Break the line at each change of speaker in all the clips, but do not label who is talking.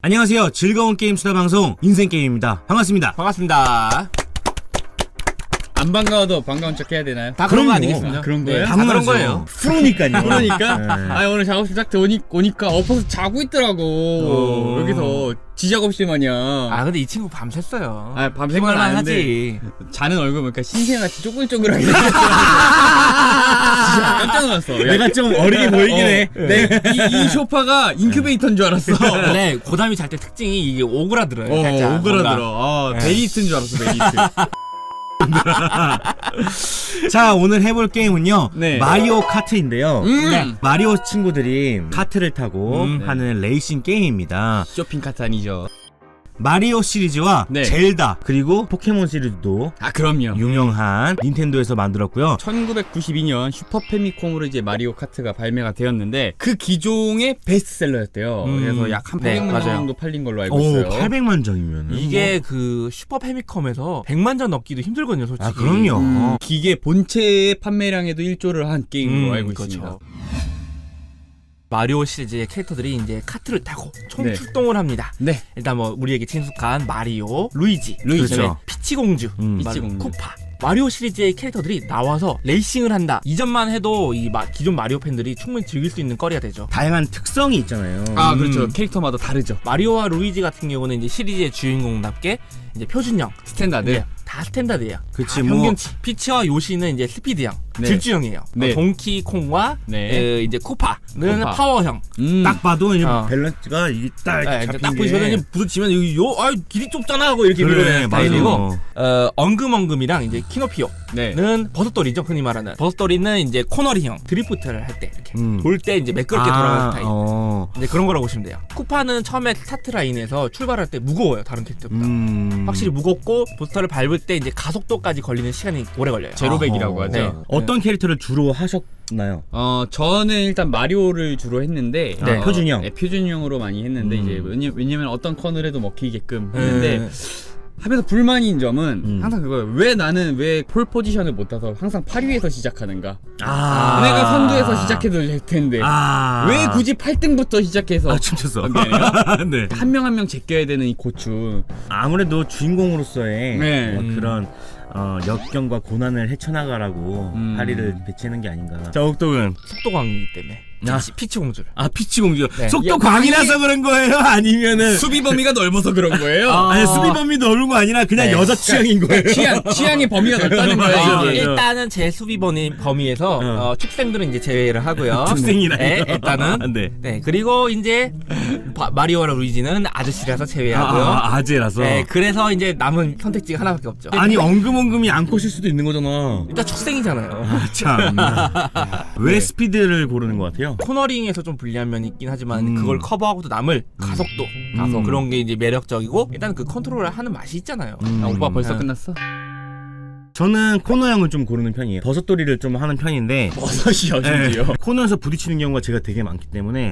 안녕하세요. 즐거운 게임 수다 방송 인생게임입니다. 반갑습니다.
반갑습니다.
안 반가워도 반가운 척 해야 되나요?
다 그런 거
그럼요.
아니겠습니까?
그런 거예요?
다 그런 거예요.
프로니까요.
그러니까
네.
오늘 작업실 딱 오니까 엎어서 자고 있더라고. 여기서 지작업실 마냥.
근데 이 친구 밤샜어요.
밤샌 건
생활만
아는데
하지.
자는 얼굴 보니까 신생같이 쪼글쪼글하게 생겼어. 진짜 깜짝 놀랐어.
내가 좀 어리게 보이긴 해.
이 소파가 인큐베이터인 줄 알았어.
근데 고담이 잘 때 특징이 이게 오그라들어요. 살짝.
오그라들어.
뭔가.
메리트인 줄 알았어, 메리트.
자, 오늘 해볼 게임은요.
네.
마리오 카트인데요.
네.
마리오 친구들이 카트를 타고
네.
하는 레이싱 게임입니다.
쇼핑 카트 아니죠?
마리오 시리즈와
네.
젤다 그리고 포켓몬 시리즈도
그럼요.
유명한 닌텐도에서 만들었고요.
1992년 슈퍼 패미콤으로 이제 마리오 카트가 발매가 되었는데 그 기종의 베스트셀러였대요. 그래서 약 한
네,
800만
맞아요.
정도 팔린 걸로 알고
오,
있어요.
800만 장이면
이게 그 슈퍼 패미컴에서 100만 전 넘기도 힘들거든요, 솔직히.
그럼요.
기계 본체 판매량에도 1조를 한 게임으로 알고
그렇죠.
있습니다.
마리오 시리즈의 캐릭터들이 이제 카트를 타고 총
네.
출동을 합니다.
네.
일단 뭐 우리에게 친숙한 마리오, 루이지,
그렇죠.
그다음에 피치 공주,
피치 공주.
쿠파. 마리오 시리즈의 캐릭터들이 나와서 레이싱을 한다. 이전만 해도 이 기존 마리오 팬들이 충분히 즐길 수 있는 거리가 되죠.
다양한 특성이 있잖아요.
그렇죠. 캐릭터마다 다르죠.
마리오와 루이지 같은 경우는 이제 시리즈의 주인공답게 이제 표준형,
스탠다드.
네, 다 스탠다드예요.
그치,
다
뭐.
평균치. 피치와 요시는 이제 스피드형,
네.
질주형이에요.
네.
동키콩과
네.
이제 쿠파는
쿠파.
파워형.
딱 봐도 이제
어.
밸런스가 이게 딱
네,
잡힌
딱
게.
보시면 이제 부딪히면 길이 좁잖아 하고 이렇게
그래,
밀어내는
맞아.
스타일이고 엉금엉금이랑 이제 키노피오는
네.
버섯돌이죠, 흔히 말하는. 버섯돌이는 이제 코너링형 드리프트를 할 때 이렇게 돌 때 이제 매끄럽게 돌아가는 스타일. 이제 그런 거라고 보시면 돼요. 쿠파는 처음에 스타트 라인에서 출발할 때 무거워요, 다른 캐릭터보다. 확실히 무겁고 부스터를 밟을 때 이제 가속도까지 걸리는 시간이 오래 걸려요.
제로백이라고 하죠.
네.
어떤 캐릭터를 주로 하셨나요?
저는 일단 마리오를 주로 했는데
네, 표준형.
네, 표준형으로 많이 했는데 이제 왜냐면 어떤 컨을 해도 먹히게끔 했는데 하면서 불만인 점은 항상 그거예요. 왜 나는 왜 폴 포지션을 못 타서 항상 8위에서 시작하는가? 내가 선두에서 시작해도 될 텐데 왜 굳이 8등부터 시작해서
춤췄어. 네.
한 명 한 명 제껴야 되는 이 고충.
아무래도 주인공으로서의
네.
그런 역경과 고난을 헤쳐나가라고 파리를 배치하는 게 아닌가. 자, 옥동은
속도 강이기 때문에 피치 공주를.
피치 공주.
네.
속도 광이라서 그런 거예요? 아니면은
수비 범위가 넓어서 그런 거예요.
아니, 수비 범위 넓은 거 아니라 그냥
네.
여자 취향인 거예요.
취향의 범위가 넓다는 거예요.
맞아.
이게.
일단은 제 수비 범위에서 축생들은 이제 제외를 하고요.
축생이라.
네, 일단은
네.
네, 그리고 이제 마리오와 루이지는 아저씨라서 제외하고요.
아재라서.
네, 그래서 이제 남은 선택지가 하나밖에 없죠.
아니, 엉금엉금이 안 컷일 수도 있는 거잖아.
일단 축생이잖아요.
참. 왜 스피드를 고르는 것 같아요?
코너링에서 좀 불리한 면이 있긴 하지만 그걸 커버하고도 남을 가속도 그런 게 이제 매력적이고 일단 그 컨트롤을 하는 맛이 있잖아요.
오빠 벌써
아.
끝났어?
저는 코너형을 좀 고르는 편이에요. 버섯돌이를 좀 하는 편인데
버섯이요,
네,
심지어.
코너에서 부딪히는 경우가 제가 되게 많기 때문에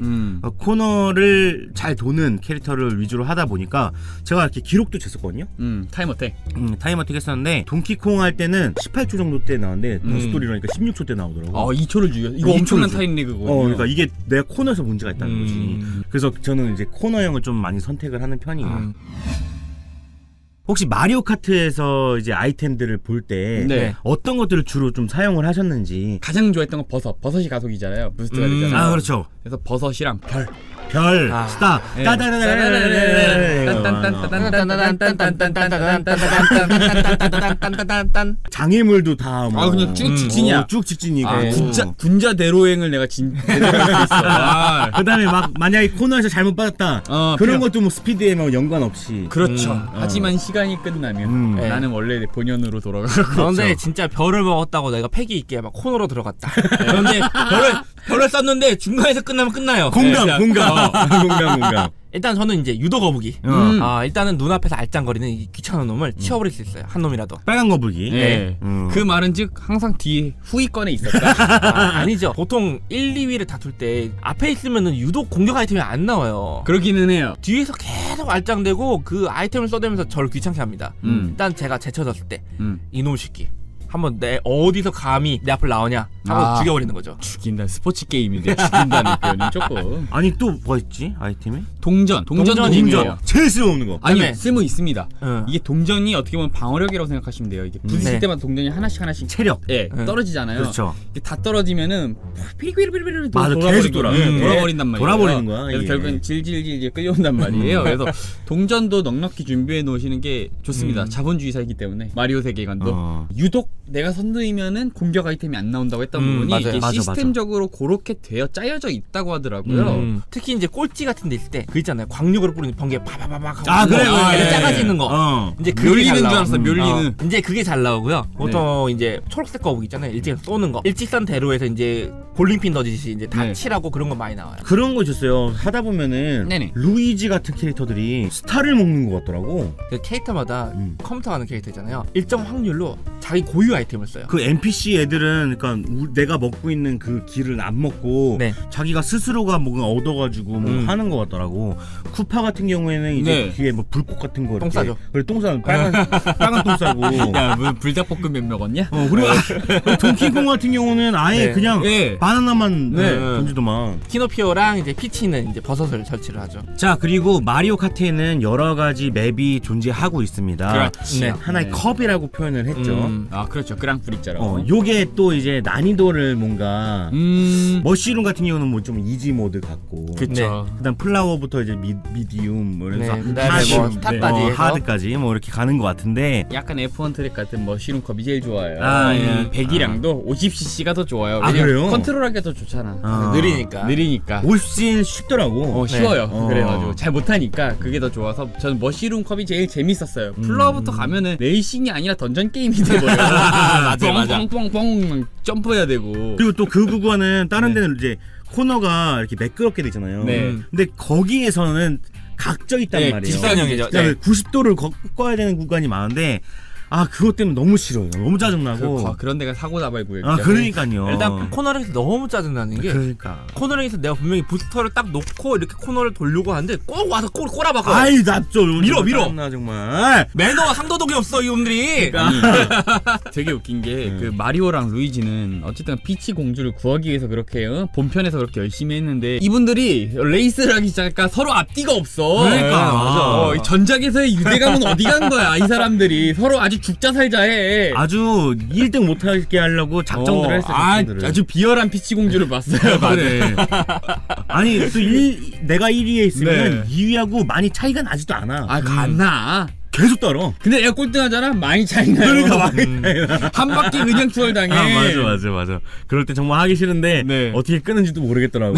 코너를 잘 도는 캐릭터를 위주로 하다 보니까 제가 이렇게 기록도 쟀었거든요.
타임어택.
타임어택 했었는데 동키콩 할 때는 18초 정도 때 나왔는데 버섯돌이라니까 16초 때 나오더라고.
2초를 죽여. 이거
2초를
엄청난
줘.
타임 레그거든요.
그러니까 이게 내가 코너에서 문제가 있다는 거지. 그래서 저는 이제 코너형을 좀 많이 선택을 하는 편이에요. 혹시 마리오 카트에서 이제 아이템들을 볼 때
네.
어떤 것들을 주로 좀 사용을 하셨는지.
가장 좋아했던 건 버섯이 가속이잖아요. 부스트가 되잖아요.
그렇죠.
그래서 버섯이랑 별.
별, 스타, 장애물도 다 뭐.
그냥 쭉 직진이야.
쭉 직진이고.
군자 대로행을 내가 대로할 수 있어.
그다음에 막 만약에 코너에서 잘못 받았다. 그런 것도 뭐 스피드에 뭐 연관 없이.
그렇죠. 하지만 시간이 끝나면 나는 원래 내 본연으로 돌아가고.
그런데 진짜 별을 먹었다고 내가 패기 있게 막 코너로 들어갔다. 그런데 별을 썼는데 중간에서 끝나면 끝나요.
공감.
일단 저는 이제 유도 거북이. 일단은 눈앞에서 알짱거리는 이 귀찮은 놈을 치워버릴 수 있어요. 한 놈이라도.
빨간 거북이.
네. 그 말은즉 항상 뒤에 후위권에 있었다.
아니죠. 보통 1, 2위를 다툴 때 앞에 있으면은 유독 공격 아이템이 안 나와요.
그러기는 해요.
뒤에서 계속 알짱대고 그 아이템을 써대면서 저를 귀찮게 합니다. 일단 제가 제쳐졌을 때 이놈 새끼 한번 내 어디서 감히 내 앞을 나오냐 하고 죽여버리는 거죠.
죽인다. 스포츠 게임인데 죽인다는 표현이 조금.
아니 또 뭐 있지 아이템이?
동전
동전이에요.
제일 쓸모없는 거.
아니
네.
쓸모 있습니다.
응.
이게 동전이 어떻게 보면 방어력이라고 생각하시면 돼요. 이게 부딪힐
네.
때마다 동전이 하나씩
체력.
예,
응.
떨어지잖아요.
그렇죠.
이게 다 떨어지면은 피리피리피리피리
맞아, 계속 돌아.
돌아버린단 말이에요.
돌아버리는 거야,
그래서
이게.
결국은 질질질 끌려온단 말이에요. 그래서 동전도 넉넉히 준비해 놓으시는 게 좋습니다. 자본주의사이기 때문에 마리오 세계관도 유독 내가 선두이면은 공격 아이템이 안 나온다고 했던 부분이
맞아요.
이게
맞아,
시스템적으로 그렇게 되어 짜여져 있다고 하더라고요.
특히 이제 꼴찌 같은 데 있을 때 그 있잖아요. 광력으로 뿌리는 번개 파파파박
아, 그래,
얘네
예.
작아지는 거. 이제 그게
멸리는
잘
줄
나와.
알았어. 멸리는.
이제 그게 잘 나오고요. 보통 이제 초록색 거북 있잖아요. 일직선 쏘는 거. 일직선 대로에서 이제 볼링핀 던지듯이 이제 다
네.
칠하고 그런 거 많이 나와요.
그런 거 있었어요. 하다 보면은
네네.
루이지 같은 캐릭터들이 스타를 먹는 것 같더라고.
그 캐릭터마다 컴퓨터 하는 캐릭터 있잖아요. 일정 확률로 자기 고유 아이템을 써요.
그 NPC 애들은 그러니까 내가 먹고 있는 그 길을 안 먹고
네.
자기가 스스로가 뭔가 얻어가지고 뭐 하는 것 같더라고. 쿠파 같은 경우에는 이제
네.
뒤에 뭐 불꽃 같은 거
똥
이렇게
싸죠.
그래 똥 싸는 빨간 똥 싸고.
야, 뭐 불닭볶음면 먹었냐?
그리고 동키콩 같은 경우는 아예
네.
그냥
네.
바나나만
네.
던지더만.
키노피오랑 이제 피치는 이제 버섯을 설치를 하죠.
자 그리고 마리오 카트에는 여러 가지 맵이 존재하고 있습니다.
그렇지.
네.
하나의
네.
컵이라고 표현을 했죠.
아 그렇죠. 그랑프리처럼.
요게 또 이제 난이도를 뭔가
음.
머쉬룸 같은 경우는 뭐 좀 이지 모드 같고,
그쵸.
그다음 플라워부터 이제 미디움 뭐 이래서
네, 그다음에 뭐 스타까지 해서.
하드까지 뭐 이렇게 가는 것 같은데.
약간 F1 트랙 같은 머쉬룸 컵이 제일 좋아요.
아, 예.
배기량도 50cc가 더 좋아요.
아,
왜냐면
그래요?
컨트롤하기가 더 좋잖아.
느리니까.
느리니까.
50cc 쉽더라고.
쉬워요.
네.
그래가지고 잘 못하니까 그게 더 좋아서 저는 머쉬룸 컵이 제일 재밌었어요. 플라워부터 가면은 레이싱이 아니라 던전 게임이 돼버려요.
맞아.
뻥뻥뻥뻥 점프해야 되고.
그리고 또 그 구간은 다른 데는 이제 코너가 이렇게 매끄럽게 되잖아요.
네.
근데 거기에서는 각져 있단
네,
말이에요.
직선형이죠.
그러니까
네.
90도를 꺾어야 되는 구간이 많은데 그것 때문에 너무 싫어요. 너무 짜증나고.
그런 데가 사고 나발 구역.
그러니까요.
일단 코너링에서 너무 짜증나는 게
그러니까.
코너링에서 내가 분명히 부스터를 딱 놓고 이렇게 코너를 돌려고 하는데 꼭 와서 꼬라박아.
아이 나좀
밀어.
나 정말.
매너와 상도덕이 없어 이놈들이.
아니, 되게 웃긴 게 그 마리오랑 루이지는 어쨌든 피치 공주를 구하기 위해서 그렇게 본편에서 그렇게 열심히 했는데 이분들이 레이스를 하기 시작하니까 서로 앞뒤가 없어.
그러니까. 맞아.
이 전작에서의 유대감은 어디 간 거야? 이 사람들이 서로 아주 죽자 살자 해.
아주 1등 못하게 하려고 작정들을 했어요. 작정들을.
아주 비열한 피치 공주를 봤어요.
그래. 아니 또 내가 1위에 있으면
네.
2위하고 많이 차이가 나지도 않아.
갔나?
계속 따라.
근데 내가 꼴등하잖아. 많이 차이 나요.
그러니까 많이 차이나.
한 바퀴 그냥 추월당해.
맞아. 그럴 때 정말 하기 싫은데
네.
어떻게 끄는지도 모르겠더라고.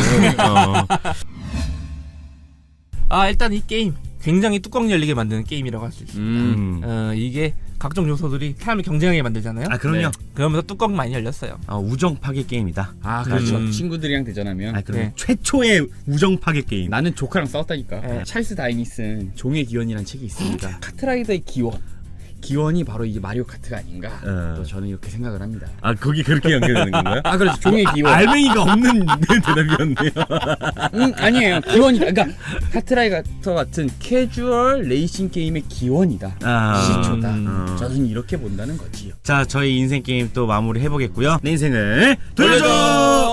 일단 이 게임 굉장히 뚜껑 열리게 만드는 게임이라고 할 수 있습니다. 이게 각종 요소들이 사람을 경쟁하게 만들잖아요.
그럼요.
네.
그러면서 뚜껑 많이 열렸어요.
우정 파괴 게임이다.
그렇죠. 친구들이랑 대전하면.
그럼
네.
최초의 우정 파괴 게임.
나는 조카랑 싸웠다니까.
네.
찰스 다인이 쓴 종의 기원이라는 책이 있습니다. 카트라이더의 기원이 바로 이게 마리오 카트가 아닌가. 또 저는 이렇게 생각을 합니다.
거기 그렇게 연결되는 건가요?
그렇죠. 종의 기원.
알맹이가 없는 대답이었네요.
아니에요. 기원이다. 그러니까 카트라이더 같은 캐주얼 레이싱 게임의 기원이다. 시초다. 저는 이렇게 본다는 거지요.
자, 저희 인생 게임 또 마무리 해보겠고요. 내 인생을 돌려줘.